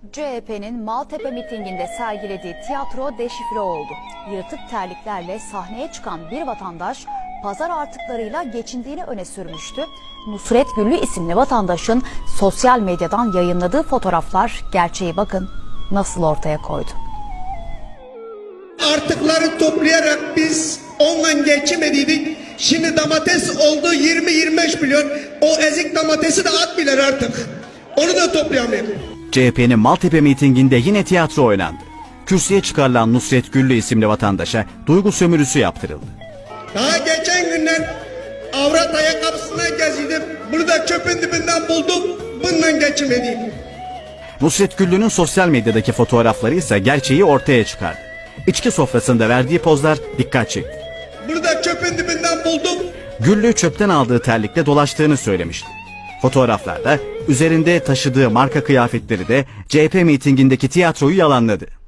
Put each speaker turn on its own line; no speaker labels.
CHP'nin Maltepe mitinginde sergilediği tiyatro deşifre oldu. Yırtık terliklerle sahneye çıkan bir vatandaş pazar artıklarıyla geçindiğini öne sürmüştü. Nusret Güllü isimli vatandaşın sosyal medyadan yayınladığı fotoğraflar gerçeği bakın nasıl ortaya koydu.
Artıkları toplayarak biz onunla geçemediydik. Şimdi domates oldu 20-25 milyon. O ezik domatesi de atmıyorlar artık. Onu da toplayamıyor.
CHP'nin Maltepe mitinginde yine tiyatro oynandı. Kürsüye çıkarılan Nusret Güllü isimli vatandaşa duygu sömürüsü yaptırıldı.
Daha geçen günler avrat ayakkabısına geziydim. Bunu da çöpün dibinden buldum. Bununla geçemedik.
Nusret Güllü'nün sosyal medyadaki fotoğrafları ise gerçeği ortaya çıkardı. İçki sofrasında verdiği pozlar dikkat çekti.
Bunu da çöpün dibinden buldum.
Güllü çöpten aldığı terlikle dolaştığını söylemişti. Fotoğraflarda üzerinde taşıdığı marka kıyafetleri de CHP mitingindeki tiyatroyu yalanladı.